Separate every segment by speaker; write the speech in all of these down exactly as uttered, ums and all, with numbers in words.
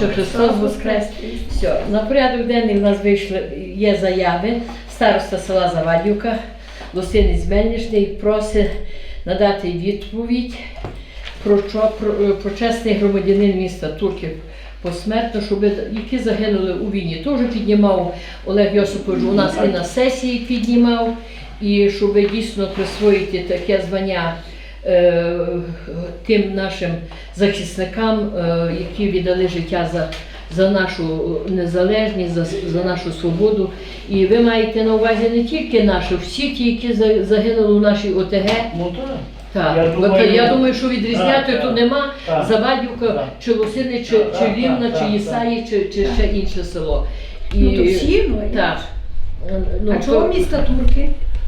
Speaker 1: Що Христос воскрес. Все. На порядок денний в нас вийшли, є заяви. Староста села Завадівка, Лосинець Мельничний просить надати відповідь про, про, про чесний громадянин міста Турків посмертно, щоб, які загинули у війні. Теж піднімав Олег Йосипович, у нас і на сесії піднімав, і щоб дійсно присвоїти таке звання е, тим нашим захисникам, е, які віддали життя за, за нашу незалежність, за, за нашу свободу. І ви маєте на увазі не тільки наші, всі ті, які загинули у нашій ОТГ.
Speaker 2: Ну так.
Speaker 1: Так,
Speaker 2: я, думаю,
Speaker 1: я думаю, що відрізняти
Speaker 2: так,
Speaker 1: тут нема,
Speaker 2: так,
Speaker 1: Завадівка,
Speaker 2: так,
Speaker 1: чи Лосини, чи,
Speaker 2: так,
Speaker 1: чи Рівна,
Speaker 2: так,
Speaker 1: чи
Speaker 2: так,
Speaker 1: Єсаї, чи, чи ще інше село. І,
Speaker 3: Ну то всі, ну
Speaker 1: так. Ну,
Speaker 3: а чого
Speaker 1: то-
Speaker 3: міста Турки?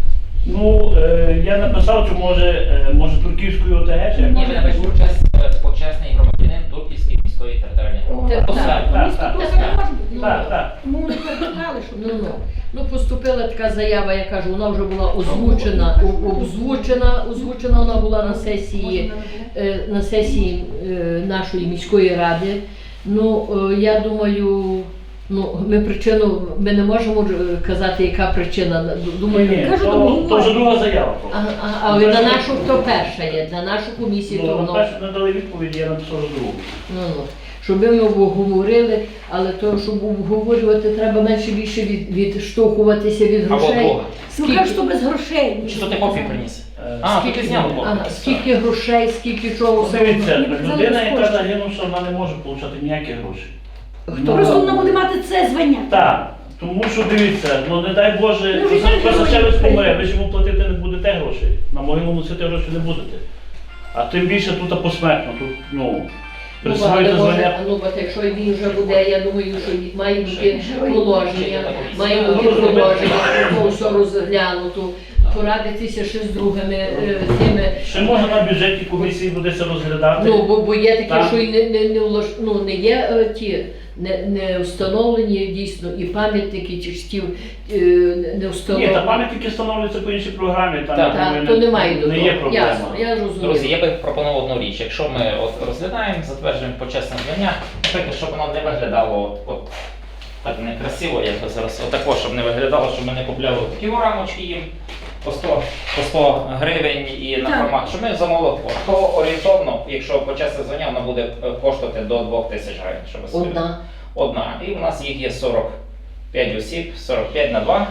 Speaker 2: Ну, е, я написав, що може, е, може Турківської ОТГ, чи як?
Speaker 4: Ні, ви напишіть почесний, почесний громадянин Турківської міської територіальної
Speaker 3: О,
Speaker 4: громади.
Speaker 1: Так,
Speaker 4: Посадка.
Speaker 2: так,
Speaker 3: Місто
Speaker 2: так,
Speaker 3: Турки
Speaker 1: так,
Speaker 3: не може бути.
Speaker 2: Так, так.
Speaker 3: Тому вони передали, щоб
Speaker 1: Ну, ну. Ну, поступила така заява, я кажу, вона вже була озвучена, о- озвучена, озвучена вона була на сесії, е, на сесії е, нашої міської ради. Ну, е, я думаю, ну, ми причину, ми не можемо е, казати, яка причина. Думаю,
Speaker 2: Ні,
Speaker 3: кажу,
Speaker 2: то,
Speaker 3: тому
Speaker 2: то вже друга заява.
Speaker 1: а, а, але на нашу то перша є, на нашу комісію то
Speaker 2: Ну,
Speaker 1: воно.
Speaker 2: перше не дали відповіді, я написав вже другу.
Speaker 1: Ну, ну. Щоб ми обговорили, але то, щоб обговорювати, треба менше більше від, відштовхуватися від
Speaker 4: Або
Speaker 1: грошей.
Speaker 4: Бога.
Speaker 3: Ну кажуть, що без грошей.
Speaker 4: Чи то ти копію приніс?
Speaker 2: Е,
Speaker 4: А,
Speaker 1: Скільки-
Speaker 4: ти зняв
Speaker 1: Ага,
Speaker 4: копію.
Speaker 1: скільки грошей, скільки чого, все
Speaker 2: Дивіться,
Speaker 1: одно.
Speaker 2: людина, яка загинувша, вона не може отримати ніякі гроші.
Speaker 1: Хто
Speaker 3: Просто
Speaker 1: робить?
Speaker 3: вона буде мати це звання.
Speaker 2: Так, тому що дивіться, ну не дай Боже,
Speaker 3: Ну, вже так
Speaker 2: Косачевець
Speaker 3: герої
Speaker 2: помре, ви ж йому платити не будете грошей. На могилу носити гроші не будете. А тим більше тут посмертно, тут, ну,
Speaker 1: Ну, але
Speaker 2: присвоїти
Speaker 1: може,
Speaker 2: звання.
Speaker 1: ну, от якщо він вже буде, я думаю, що має бути положення, має
Speaker 2: Ну,
Speaker 1: бути
Speaker 2: розумієте.
Speaker 1: положення, ну, все розглянуто, порадитися ще з другими е, тими.
Speaker 2: Ще можна на бюджетній комісії буде це розглядати.
Speaker 1: Ну, бо, бо є таке,
Speaker 2: Так.
Speaker 1: що і не, не, не, влаш... ну, не є е, ті, не, не встановлені дійсно і пам'ятники, чи ж ті е, не
Speaker 2: Ні,
Speaker 1: встановлені.
Speaker 2: та пам'ятники встановлюються по іншій програмі, там
Speaker 4: Так,
Speaker 2: я думаю,
Speaker 1: Так, то немає до
Speaker 2: не
Speaker 1: того.
Speaker 2: є проблема.
Speaker 1: Ясно, я розумію.
Speaker 4: Друзі, я би пропонував одну річ. Якщо ми от розглядаємо, затверджуємо почесне звання, наприклад, щоб воно не виглядало от, от так некрасиво, як би зараз, отако, щоб не виглядало, щоб ми не купляли такі рамочки їм по сто, по сто гривень і на
Speaker 3: Так.
Speaker 4: формат, щоб ми замовили, то орієнтовно, якщо почесне звання, воно буде е, коштувати до двох тисяч гривень. Щоб ви собі-
Speaker 1: Одна.
Speaker 4: Одна. І у нас їх є сорок п'ять осіб, сорок п'ять на два.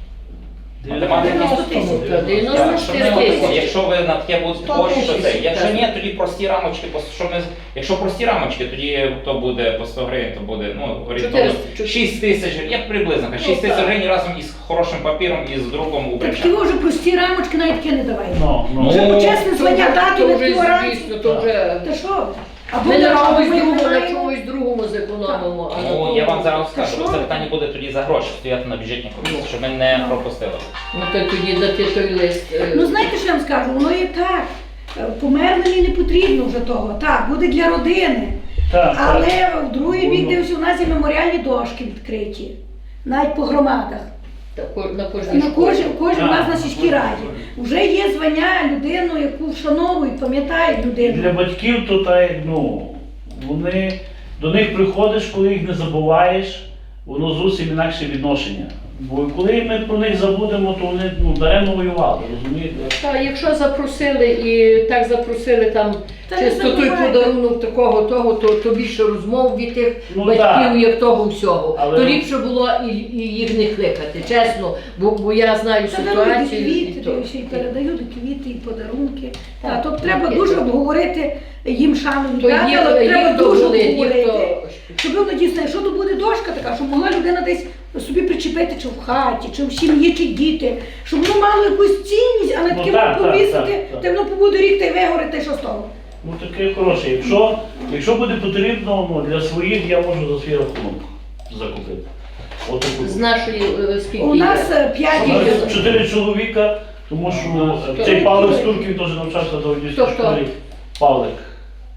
Speaker 4: Математика.
Speaker 3: дев'яносто тисяч.
Speaker 1: Та, дев'яносто
Speaker 4: Так, щоб ми
Speaker 1: чотири
Speaker 4: от,
Speaker 1: тисячі.
Speaker 4: якщо ви на таке будете
Speaker 3: сто
Speaker 4: кошти, то
Speaker 3: тисяч.
Speaker 4: це. Якщо
Speaker 1: Так.
Speaker 4: ні, тоді прості рамочки, по- що ми, якщо прості рамочки, тоді то буде по сто гривень, то буде ну, орієнтовно
Speaker 1: Чотириста.
Speaker 4: шість тисяч, як приблизно,
Speaker 1: Ну,
Speaker 4: шість тисяч
Speaker 1: так.
Speaker 4: гривень разом із хорошим папіром і з друком у
Speaker 3: Так
Speaker 4: причах.
Speaker 3: ті вже прості рамочки навіть таке не давайте.
Speaker 2: Ну, ну.
Speaker 3: Вже
Speaker 4: Ну,
Speaker 3: почесне звання дати
Speaker 1: То
Speaker 3: на
Speaker 1: вже,
Speaker 3: такі оранці.
Speaker 1: звісно, то вже...
Speaker 3: Та що ви? Або
Speaker 1: Ми на
Speaker 3: на
Speaker 1: чомусь
Speaker 3: ми
Speaker 1: другому, на
Speaker 3: маємо.
Speaker 1: чомусь другому зекономимо. а на
Speaker 4: Ну,
Speaker 1: тому-
Speaker 4: я вам зараз
Speaker 3: Та
Speaker 4: скажу,
Speaker 3: що
Speaker 4: це
Speaker 3: ви?
Speaker 4: питання буде тоді за гроші стояти на бюджетній комісії, щоб ми не
Speaker 3: Ну.
Speaker 4: пропустили.
Speaker 1: Ну, то тоді дати той лист. е,
Speaker 3: Ну знаєте, що я вам скажу? Воно є так. Е, Померлим не потрібно вже того. Так, буде для родини.
Speaker 2: Так, так.
Speaker 3: Але в другий бік
Speaker 2: Воно-
Speaker 3: дивився, у нас є меморіальні дошки відкриті. Навіть по громадах.
Speaker 1: та ко- на кожній
Speaker 3: На
Speaker 1: школі.
Speaker 3: кожен, кожен у нас на
Speaker 2: Так.
Speaker 3: сільській раді. Вже є звання людину, яку вшановують, пам'ятають
Speaker 2: Для
Speaker 3: людину.
Speaker 2: батьків то так, як, ну, вони, до них приходиш, коли їх не забуваєш, воно зовсім інакше відношення. Бо коли ми про них забудемо, то вони ну, даремно воювали, розумієте?
Speaker 1: Та, якщо запросили і так запросили там
Speaker 3: Та не
Speaker 1: чисто той
Speaker 3: забувайте.
Speaker 1: подарунок такого, того, то, то більше розмов від тих
Speaker 2: Ну,
Speaker 1: батьків,
Speaker 2: так.
Speaker 1: як того всього.
Speaker 2: Але-
Speaker 1: То ліпше було і, і їх не кликати, чесно, бо, бо я знаю
Speaker 3: Та дарують і
Speaker 1: ситуацію. і
Speaker 3: квіти,
Speaker 1: то.
Speaker 3: то ще й передають і квіти, і подарунки.
Speaker 1: Так,
Speaker 3: Та, тобто треба
Speaker 1: таке,
Speaker 3: дуже
Speaker 1: то-
Speaker 3: обговорити їм шану
Speaker 1: То
Speaker 3: віддати,
Speaker 1: їх,
Speaker 3: але треба
Speaker 1: їх то
Speaker 3: дуже
Speaker 1: були, їх
Speaker 3: обговорити.
Speaker 1: то...
Speaker 3: Щоб воно дійсно, якщо то буде дошка така, щоб могла людина десь собі причепити, чи в хаті, чи в сім'ї, чи діти, щоб воно мало якусь цінність, а не
Speaker 2: Ну,
Speaker 3: таке
Speaker 2: так,
Speaker 3: воно
Speaker 2: так,
Speaker 3: повісити,
Speaker 2: так, так.
Speaker 3: та воно побуде рік та й вигорить, та й що з того.
Speaker 2: Ну таке хороше. Якщо, якщо буде потрібно, ну, для своїх я можу за свій рахунок закупити. От таку.
Speaker 1: З нашої е, скільки
Speaker 3: У
Speaker 1: є?
Speaker 3: нас е, п'ять
Speaker 2: У нас
Speaker 3: дітей.
Speaker 2: чотири чоловіка, тому що
Speaker 1: Хто?
Speaker 2: цей Павлик з Турків теж навчався до однієї
Speaker 1: Хто, хто?
Speaker 2: школі. Павлик.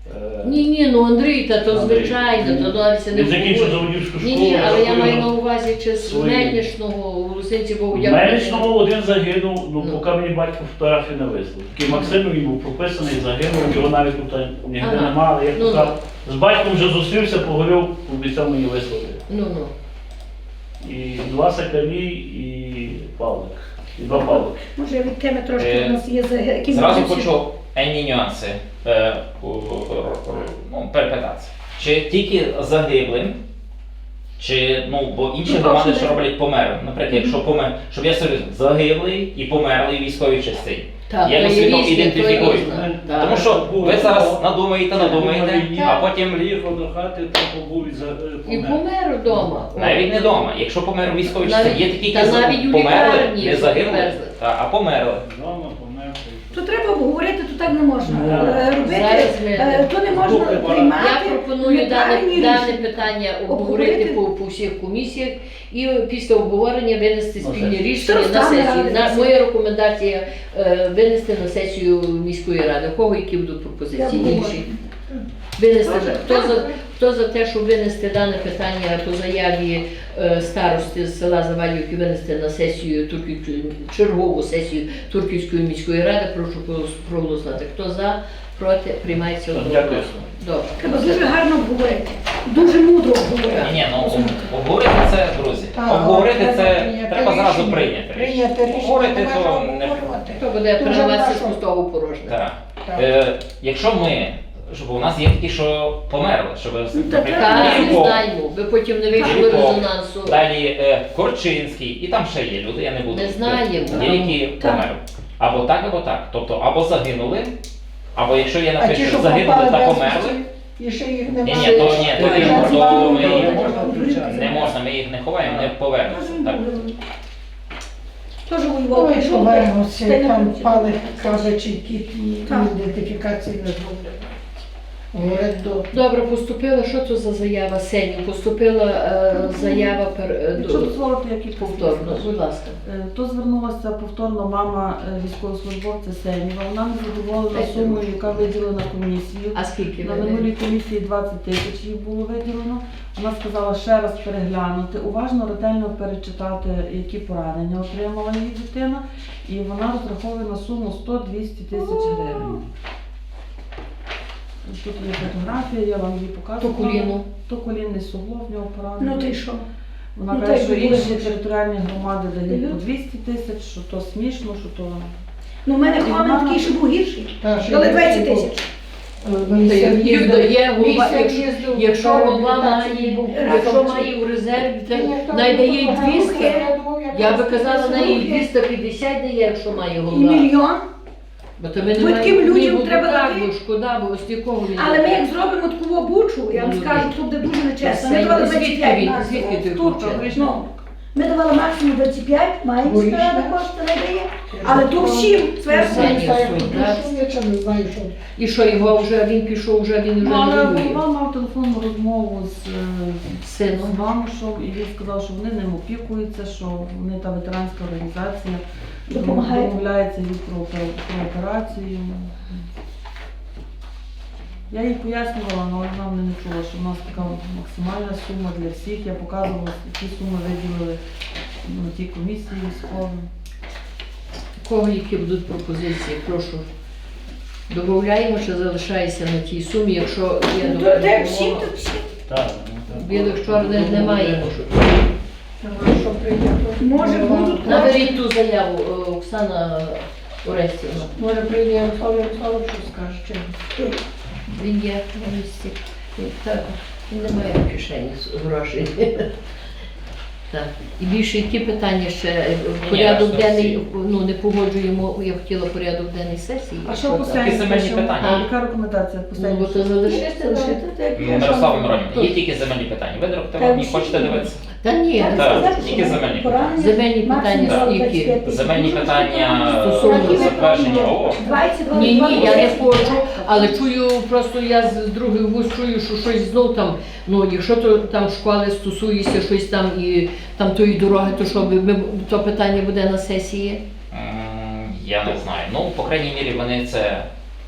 Speaker 2: Е,
Speaker 1: Ні, ні, ну Андрій, та то
Speaker 2: Андрій.
Speaker 1: звичайно, то далі це не
Speaker 2: Він закінчив
Speaker 1: обговорює.
Speaker 2: заводівську школу.
Speaker 1: Ні, ні, але я
Speaker 2: рахую,
Speaker 1: маю на увазі, чи з
Speaker 2: свої.
Speaker 1: Мельничного, у Лусинці, бо
Speaker 2: В
Speaker 1: я...
Speaker 2: Мельничному один загинув, ну
Speaker 1: Ну.
Speaker 2: поки мені батько фотографії не вислав. Такий Максим, він був прописаний, загинув, його навіть тут ніде
Speaker 1: Ага.
Speaker 2: немає. Але я
Speaker 1: Ну,
Speaker 2: поки з батьком вже зустрівся, поговорив, обіцяв мені висловити.
Speaker 1: Ну, ну.
Speaker 2: І два Сакалі, і Павлик. І два Павлики.
Speaker 3: Може від теми трошки
Speaker 4: Е,
Speaker 3: у нас є за якісь
Speaker 4: Зразу
Speaker 3: нюанси?
Speaker 4: хочу енні нюанси е, у- ну, перепитати. Чи тільки загиблим, чи, ну, бо інші
Speaker 3: Ну,
Speaker 4: громади
Speaker 3: точно,
Speaker 4: що
Speaker 3: не-
Speaker 4: роблять померлим. Наприклад, якщо помер, щоб я собі загиблий і померлий військовій частині.
Speaker 1: Так,
Speaker 4: Я
Speaker 1: то
Speaker 4: собі
Speaker 1: є
Speaker 4: то
Speaker 1: різні,
Speaker 4: ідентифікую.
Speaker 1: то різне. Так.
Speaker 4: Тому що ви зараз надумаєте, надумаєте, а потім
Speaker 5: Приїхав до хати, то побув і за-
Speaker 1: І
Speaker 5: помер.
Speaker 1: помер вдома.
Speaker 4: навіть не вдома. Якщо помер у військовій
Speaker 1: Навіть-
Speaker 4: частині, є такі,
Speaker 1: та
Speaker 4: які за-
Speaker 1: навіть у
Speaker 4: померли,
Speaker 1: лікарні,
Speaker 4: не загинули,
Speaker 1: привезли.
Speaker 4: та, а померли.
Speaker 5: Вдома помер.
Speaker 3: То треба обговорити, то так не можна.
Speaker 2: Ну,
Speaker 3: Е, Робити,
Speaker 1: зараз ми-
Speaker 3: е, то не можна
Speaker 5: Слухай,
Speaker 3: приймати.
Speaker 1: Я пропоную дане,
Speaker 3: неправильні
Speaker 1: дане
Speaker 3: рішення.
Speaker 1: питання обговорити по, по всіх комісіях і після обговорення винести
Speaker 2: Ну,
Speaker 1: спільні
Speaker 2: це-
Speaker 1: рішення на
Speaker 3: Старостами
Speaker 1: сесію. На,
Speaker 3: радитися.
Speaker 1: моя рекомендація е, винести на сесію міської ради. У кого які будуть
Speaker 3: Я
Speaker 1: пропозиції
Speaker 3: обговорю.
Speaker 1: інші? Винести
Speaker 3: Добре,
Speaker 1: за- хто
Speaker 3: так,
Speaker 1: за
Speaker 3: добре.
Speaker 1: хто за те, щоб винести дане питання по заяві е, старости з села Завалівки, винести на сесію Турківської чергову сесію Турківської міської ради, прошу проголос- проголосувати. Хто за, проти, приймається
Speaker 2: Так,
Speaker 1: одноголосно.
Speaker 2: дякую.
Speaker 1: Добре.
Speaker 3: Треба дуже гарно обговорити. Дуже мудро обговорити.
Speaker 4: Ні, ні, ну об- обговорити це, друзі.
Speaker 6: А,
Speaker 4: Обговорити
Speaker 6: треба
Speaker 4: це
Speaker 6: прийняти
Speaker 4: треба зразу
Speaker 6: рішення.
Speaker 4: прийняти.
Speaker 6: Прийняти рішення,
Speaker 4: Обговорити
Speaker 6: нема що
Speaker 4: то не
Speaker 6: обговорювати.
Speaker 1: Хто буде
Speaker 6: Дуже
Speaker 1: переливатися з
Speaker 6: хорошо.
Speaker 1: пустого в порожнє?
Speaker 4: так.
Speaker 6: Так.
Speaker 4: Е, якщо ми, щоб у нас є такі, що померли, щоб
Speaker 3: Ну,
Speaker 4: наприклад,
Speaker 1: Так, не
Speaker 4: Ірко,
Speaker 1: знаємо, ви потім не вийшли
Speaker 4: Ірко,
Speaker 1: резонансу.
Speaker 4: далі е, Корчинський, і там ще є люди, я не буду.
Speaker 1: Не знаємо.
Speaker 4: Є, які
Speaker 3: Так.
Speaker 4: померли. Або так, або так. Тобто або загинули, або якщо є
Speaker 6: А ті,
Speaker 4: наприклад,
Speaker 6: що
Speaker 4: загинули
Speaker 6: попали
Speaker 4: та
Speaker 6: без
Speaker 4: померли,
Speaker 6: і ще їх
Speaker 4: ні,
Speaker 6: немає.
Speaker 4: ні, то ні, то
Speaker 1: Ні,
Speaker 4: не
Speaker 1: ні,
Speaker 4: можна, то ми
Speaker 6: ні,
Speaker 4: їх
Speaker 6: ні.
Speaker 4: не можна, ми їх не ховаємо, не повернуться. Так.
Speaker 3: Теж воював,
Speaker 6: Ой,
Speaker 3: пішов.
Speaker 6: повернуться,
Speaker 3: та й не
Speaker 6: там
Speaker 3: получилось.
Speaker 6: пали кабачі, які
Speaker 3: Так.
Speaker 6: ідентифікації не зроблять. Говорять, до
Speaker 1: Добре, поступила, що це за заява Сеню? Поступила е, заява пер, е,
Speaker 7: Якщо
Speaker 1: до,
Speaker 7: дозволити, які
Speaker 1: повторно, будь ласка.
Speaker 7: Е, То звернулася повторно мама е, військовослужбовця Сеніва. Вона не задоволена
Speaker 1: Дайте
Speaker 7: сумою,
Speaker 1: ручку.
Speaker 7: яка виділена комісією.
Speaker 1: А скільки
Speaker 7: На
Speaker 1: ви?
Speaker 7: минулій комісії двадцять тисяч їй було виділено. Вона сказала ще раз переглянути, уважно, ретельно перечитати, які поранення отримала її дитина, і вона розраховує на суму сто-двісті тисяч гривень. Тут є фотографія, я вам її
Speaker 1: По
Speaker 7: показувала.
Speaker 1: коліну.
Speaker 7: То колінний суглоб в нього поранений.
Speaker 3: Ну ти що?
Speaker 7: Вона
Speaker 3: Ну,
Speaker 7: каже,
Speaker 3: так
Speaker 7: що
Speaker 3: би було
Speaker 7: інші
Speaker 3: більше.
Speaker 7: територіальні громади дають
Speaker 3: Дають.
Speaker 7: по двісті тисяч, що то смішно, що то...
Speaker 3: Ну, в мене
Speaker 7: І
Speaker 3: Хламен
Speaker 7: вона-
Speaker 3: такий, що був гірший.
Speaker 6: Та, що
Speaker 3: Дали
Speaker 6: є
Speaker 3: двадцять
Speaker 6: був.
Speaker 3: тисяч.
Speaker 6: Е, місяць
Speaker 1: Їх
Speaker 6: їздив-
Speaker 1: дає голова,
Speaker 6: місяць
Speaker 1: якщо,
Speaker 6: їздив,
Speaker 1: якщо
Speaker 6: на
Speaker 1: голова
Speaker 6: реабілітації
Speaker 1: має,
Speaker 6: був.
Speaker 1: якщо має у резерві,
Speaker 6: Ні, ні,
Speaker 1: то
Speaker 6: то
Speaker 1: найдає їй
Speaker 6: не
Speaker 1: двісті.
Speaker 6: я думав, як
Speaker 1: Я би
Speaker 6: раз
Speaker 1: казала,
Speaker 6: це
Speaker 1: на їй
Speaker 6: слухи.
Speaker 1: двісті п'ятдесят дає, якщо має
Speaker 3: І
Speaker 1: голова.
Speaker 3: мільйон.
Speaker 1: Бо то ми не
Speaker 3: Бо таким
Speaker 1: маємо
Speaker 3: людям
Speaker 1: ні, бо
Speaker 3: треба
Speaker 1: так,
Speaker 3: дати.
Speaker 1: бо шкода, бо ось якого він.
Speaker 3: Але ми як зробимо таку обучу, я вам
Speaker 1: Ну,
Speaker 3: скажу,
Speaker 1: ні.
Speaker 3: тут буде дуже нечесно. Ми
Speaker 1: Це
Speaker 3: давали
Speaker 1: звідки
Speaker 3: двадцять п'ять
Speaker 1: він?
Speaker 3: максимум.
Speaker 1: Звідки ти
Speaker 7: Турка,
Speaker 1: включила?
Speaker 7: вийшла.
Speaker 3: Ну, ми давали максимум двадцять п'ять, маємо
Speaker 6: Логічно.
Speaker 3: справа кошти не дає. Але то всім зверху.
Speaker 1: Все.
Speaker 6: Не знаю,
Speaker 1: Суть,
Speaker 6: хто
Speaker 1: да.
Speaker 6: прийшов, я чи не знаю, що.
Speaker 1: І що його вже він пішов, вже він вже
Speaker 7: Ну, але
Speaker 1: не воює.
Speaker 7: голова мав телефонну розмову з, е,
Speaker 1: З
Speaker 7: з
Speaker 1: сином.
Speaker 7: Мамушем, і він сказав, що вони ним опікуються, що вони та ветеранська організація
Speaker 3: Допомагають.
Speaker 7: домовляється їй про, опер- про операцію. Я їй пояснювала, але вона мене не чула, що в нас така максимальна сума для всіх. Я показувала, які суми виділили на тій комісії військовій.
Speaker 1: У кого які будуть пропозиції, прошу. Додаємо, що залишається на тій сумі, якщо є
Speaker 3: Ну, то
Speaker 1: добра
Speaker 3: де всім,
Speaker 1: допомога.
Speaker 3: то всім.
Speaker 2: Так, ну, так.
Speaker 1: Білих чорних немає.
Speaker 6: Що прийняти.
Speaker 3: Може, будуть
Speaker 1: Наберіть ту заяву, е, Оксана Орестівна.
Speaker 6: Може прийде Ярослав Ярославович, що скаже, чи ні.
Speaker 1: Він є на місці. Він, так, він не має в кишені з- грошей. Так. І більше які питання ще? Е, Порядок
Speaker 4: ясно,
Speaker 1: денний,
Speaker 4: всі.
Speaker 1: ну не погоджуємо, я хотіла порядок денний сесії.
Speaker 7: А що по
Speaker 1: так?
Speaker 4: Які земельні
Speaker 7: Сенсі?
Speaker 4: питання?
Speaker 7: Яка рекомендація по
Speaker 1: Ну, бо
Speaker 7: Сенсі?
Speaker 1: то залишити,
Speaker 3: Лишити,
Speaker 1: лишити.
Speaker 3: так,
Speaker 4: Ну,
Speaker 3: я
Speaker 4: Мирослава
Speaker 3: що?
Speaker 4: Миронівна, є тільки земельні питання. Ви
Speaker 3: Та
Speaker 4: директор, не
Speaker 3: всі
Speaker 4: хочете
Speaker 3: є.
Speaker 4: дивитися?
Speaker 1: Та ні,
Speaker 3: Так,
Speaker 4: Так,
Speaker 3: сказати,
Speaker 4: тільки
Speaker 3: що
Speaker 4: земельні.
Speaker 3: поранення
Speaker 1: Земельні
Speaker 3: максимум
Speaker 1: питання
Speaker 3: двадцять
Speaker 1: скільки?
Speaker 3: п'ять тисяч.
Speaker 4: Земельні
Speaker 3: Дуже
Speaker 4: питання
Speaker 1: Стосовно
Speaker 3: Які ми
Speaker 4: затвердження.
Speaker 3: плануємо?
Speaker 4: О,
Speaker 3: двадцять,
Speaker 1: ні, ні,
Speaker 3: двадцять,
Speaker 1: я не
Speaker 3: двадцять.
Speaker 1: хочу, але чую, просто я з других вуз чую, що щось знов там, ну якщо то там школи стосується щось там і там тої дороги, то що ви- ми, то питання буде на сесії?
Speaker 4: м, я не знаю. Ну, по крайній мірі, вони це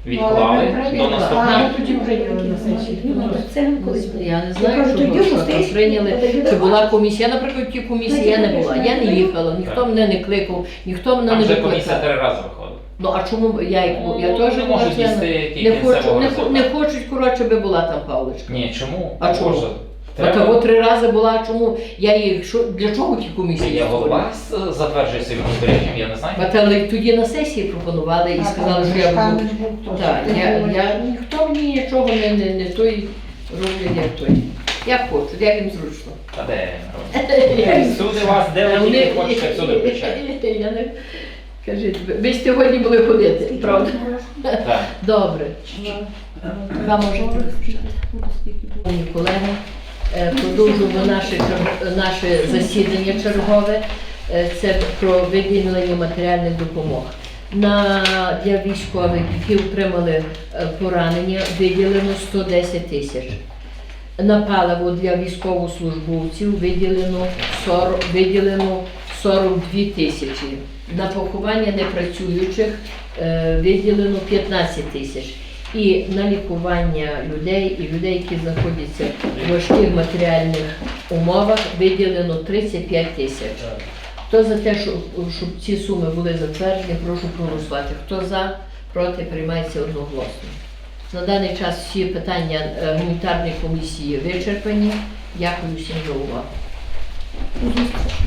Speaker 4: відклали
Speaker 6: Ну,
Speaker 4: до
Speaker 6: а
Speaker 4: наступного.
Speaker 6: ми тоді прийняли на сесії.
Speaker 3: Ну, це він колись.
Speaker 1: Я не
Speaker 3: Я
Speaker 1: знаю,
Speaker 3: кажу,
Speaker 1: що,
Speaker 3: тоді
Speaker 1: що там
Speaker 3: гостей
Speaker 1: прийняли,
Speaker 3: подивили
Speaker 1: чи була
Speaker 3: вас.
Speaker 1: комісія. Я, наприклад, в тій комісії я не була. Я не їхала, ніхто мене не кликав, ніхто мене
Speaker 4: Там
Speaker 1: не
Speaker 4: вже комісія
Speaker 1: викликав.
Speaker 4: три рази виходить.
Speaker 1: Ну а чому я, як бу- я
Speaker 4: Ну,
Speaker 1: теж
Speaker 4: не
Speaker 1: була
Speaker 4: можуть
Speaker 1: члена?
Speaker 4: дійти
Speaker 1: Не хочу,
Speaker 4: кінцевого
Speaker 1: не, хо- не
Speaker 4: результату.
Speaker 1: хочуть, коротше, би була там Павлочка.
Speaker 4: Ні, чому?
Speaker 1: А чому?
Speaker 4: Боже,
Speaker 1: От
Speaker 4: треба-
Speaker 1: того три рази була, а чому я їх, що, для чого ті комісії?
Speaker 4: Я голова
Speaker 1: створюю?
Speaker 4: с- затверджує своїм розпорядженням, я не знаю.
Speaker 1: От, але тоді на сесії пропонували і сказали, що я буду. Так, я, я, ніхто мені нічого не, не, не той роблять, як той. Як хочу, як їм зручно.
Speaker 4: Та де? Всюди вас, де ви
Speaker 1: Вони-
Speaker 4: тільки хочете, всюди включають.
Speaker 1: Я не... Кажіть, ви- ви ж сьогодні були ходити, правда?
Speaker 4: Так.
Speaker 1: Добре. Вам можете розпочати. Шановні колеги, е, продовжуємо наше, чер- наше засідання чергове. Е, Це про виділення матеріальних допомог. На, для військових, які отримали е, поранення, виділено сто десять тисяч. На паливо для військовослужбовців виділено сорок, виділено сорок дві тисячі. На поховання непрацюючих е, виділено п'ятнадцять тисяч. І на лікування людей і людей, які знаходяться в важких матеріальних умовах, виділено тридцять п'ять тисяч. Хто за те, щоб, щоб ці суми були затверджені, прошу проголосувати. Хто за, проти, приймається одноголосно. На даний час всі питання е, гуманітарної комісії вичерпані. Дякую всім за увагу.